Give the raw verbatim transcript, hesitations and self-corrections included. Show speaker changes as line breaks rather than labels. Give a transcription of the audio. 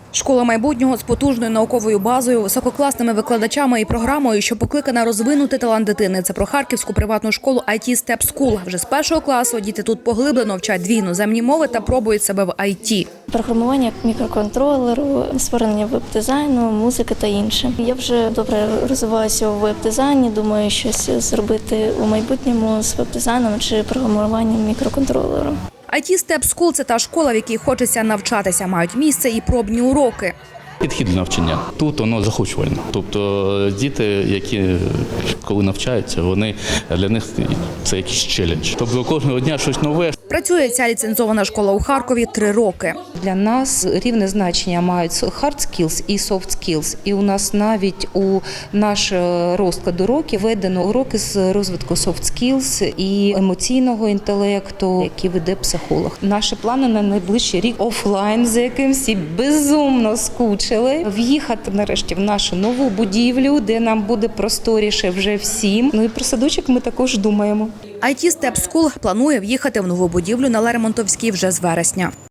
Школа майбутнього з потужною науковою базою, висококласними викладачами і програмою, що покликана розвинути талант дитини. Це про харківську приватну школу ай ті Step School. Вже з першого класу діти тут поглиблено вчать дві іноземні мови та пробують себе в ай ті.
Програмування мікроконтролеру, створення веб-дизайну, музики та інше. Я вже добре розвиваюся у веб-дизайні, думаю, щось зробити у майбутньому з веб-дизайном чи програмуванням мікроконтролеру.
ай ті Step School – це та школа, в якій хочеться навчатися. Мають місце і пробні уроки.
Підхід до навчання. Тут воно захочувально. Тобто діти, які коли навчаються, вони для них це якийсь челендж. Тобто кожного дня щось нове.
Працює ця ліцензована школа у Харкові три роки.
Для нас рівне значення мають hard skills і soft skills. І у нас навіть у наш розклад уроків введено уроки з розвитку soft skills і емоційного інтелекту, які веде психолог. Наші плани на найближчий рік офлайн, за яким всі безумно скучили. В'їхати нарешті в нашу нову будівлю, де нам буде просторіше вже всім. Ну і про садочок ми також думаємо.
ай ті Step School планує в'їхати в нову будівлю на Лермонтовській вже з вересня.